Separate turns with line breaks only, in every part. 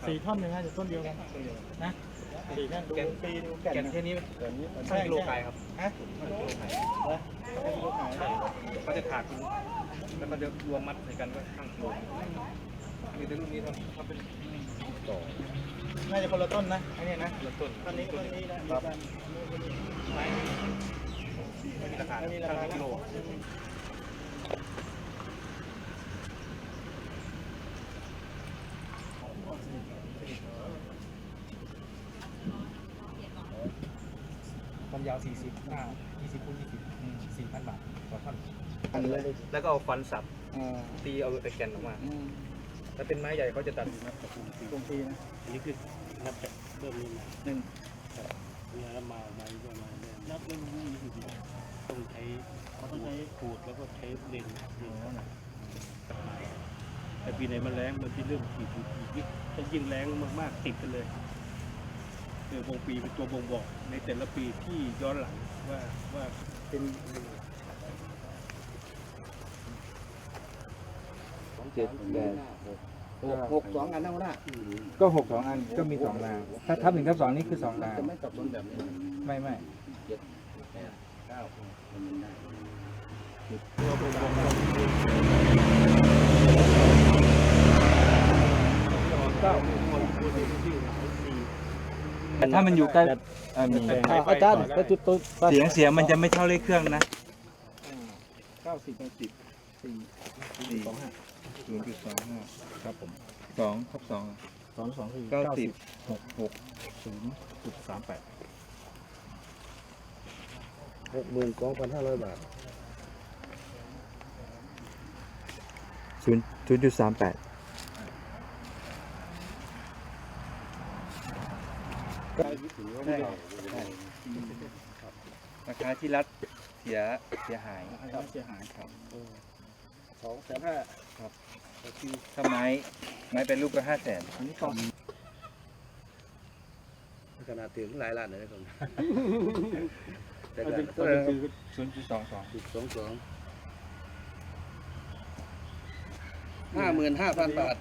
4 ท่อนนะต้นเดียวกันนะ4 ท่อนดูปีดูแก่นแค่นี้ช่างกิโลขายครับฮะช่างกิโลขายเขาจะขาดแล้วก็จะรวมมัดในกันก็ช่างกิโลมีแต่รุ่นนี้ทำเป็นต่อน่าจะคนละต้นนะอันนี้นะคนละต้นต้นนี้นะครับไม่มีราคาช่างกิโลความยาว40 หน้า 20 คูณ 20 4,000 บาทต่อท่อนแล้วก็เอาฟันสับตีเอาแต่แก่นออกมาถ้าเป็นไม้ใหญ่เขาจะตัดตรงตีนะอันนี้คือนับเริ่มนี้นะ1แล้วมาไม้ก็มานับเริ่มนี้ต้องใช้ขูดแล้วก็ใช้เลนแต่ปีไหนมันแรงมันจะเริ่มขีดถ้ายิ่งแรงมากๆติดกันเลยวงปีเป็นตัวบ่งบอกในแต่ละปีที่ย้อนหลังว่าเป็น
7 8 6 2 อันนั่งหน้า
ก็6 2 อันก็มี2 รางถ้าทับ1 ทับ 2นี่คือ2 ราง
จะไม่สับสนแบบนี้
ไม่
7 8 9มันได้
ถ้ามันอยู่ใกล้
อาจารย์ไปจุดตัว
เสียงมันจะไม่เท่าเลขเครื่องนะ
90 10 4 2 5
0.25ครับผม2 ทับ 2
2 คือ
90 6
0.38
62,500 บาท
0.38ราคาที่รัฐเสียหาย
ครับเสียหายครับ
2,500,000
ครับถ้าไม้เป็นรูปก็500,000
อันนี้ก่อน
ขนาดถึงหลายล้านเลยครับแต่ก็
คือ0.22
55,000 บาท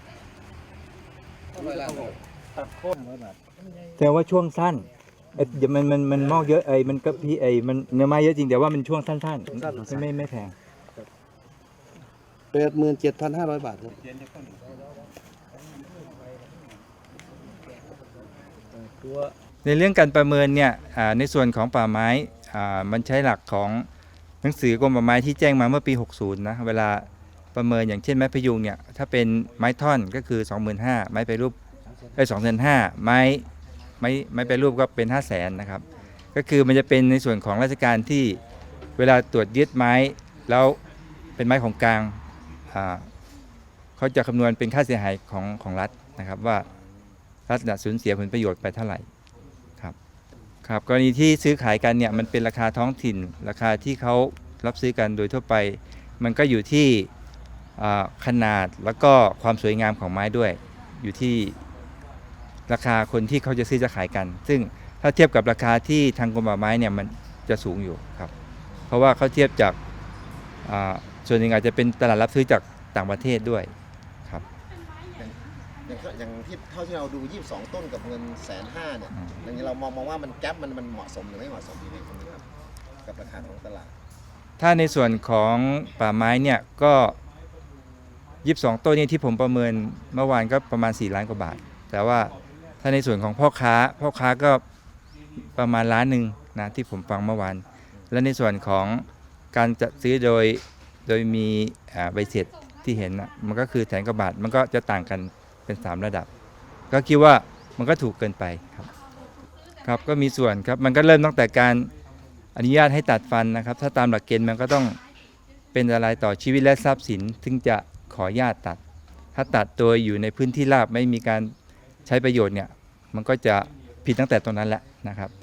ตัดโค่น100 บาท
แต่ว่าช่วงสั้นมันมอกเยอะมันก็พี่มันเนื้อไม้เยอะจริงแต่ว่ามันช่วงสั้นไม่แพง
87,500 บาทครับ
ในเรื่องการประเมินเนี่ยในส่วนของป่าไม้มันใช้หลักของหนังสือกรมป่าไม้ที่แจ้งมาเมื่อปี 60 นะเวลาประเมินอย่างเช่นไม้พยุงเนี่ยถ้าเป็นไม้ท่อนก็คือ 25,000 ไม้ไปรูป2,500,000 ไม้ไปรูปก็เป็น 500,000 นะครับก็คือมันจะเป็นในส่วนของราชการที่เวลาตรวจยึดไม้แล้วเป็นไม้ของกลางเขาจะคำนวณเป็นค่าเสียหายของรัฐนะครับว่ารัฐสูญเสียผลประโยชน์ไปเท่าไหร่ครับกรณีที่ซื้อขายกันเนี่ยมันเป็นราคาท้องถิ่นราคาที่เขารับซื้อกันโดยทั่วไปมันก็อยู่ที่ขนาดแล้วก็ความสวยงามของไม้ด้วยอยู่ที่ราคาคนที่เขาจะซื้อจะขายกันซึ่งถ้าเทียบกับราคาที่ทางกรมป่าไม้เนี่ยมันจะสูงอยู่ครับเพราะว่าเขาเทียบจากส่วนหนึ่งอาจจะเป็นตลาดรับซื้อจากต่างประเทศด้วยครับ
อย่างที่เท่าที่เราดู22 ต้นกับเงิน150,000เนี่ยอย่างนี้เรามองว่ามันแก๊ปมันเหมาะสมหรือไม่เหมาะสมดีไหมครับกับราคาของตลาด
ถ้าในส่วนของป่าไม้เนี่ยก็22 ต้นนี้ที่ผมประเมินเมื่อวานก็ประมาณ4 ล้านกว่าบาทแต่ว่าถ้าในส่วนของพ่อค้าก็ประมาณ1 ล้านนะที่ผมฟังเมื่อวานและในส่วนของการจัดซื้อโดยมีใบเสร็จที่เห็นนะมันก็คือ100,000 กว่าบาทมันก็จะต่างกันเป็น3 ระดับก็คิดว่ามันก็ถูกเกินไปครับก็มีส่วนครับมันก็เริ่มตั้งแต่การอนุญาตให้ตัดฟันนะครับถ้าตามหลักเกณฑ์มันก็ต้องเป็นอะไรต่อชีวิตและทรัพย์สินถึงจะขออนุญาตตัดถ้าตัดโดยอยู่ในพื้นที่ราบไม่มีการใช้ประโยชน์เนี่ยมันก็จะผิดตั้งแต่ตรงนั้นแหละนะครับ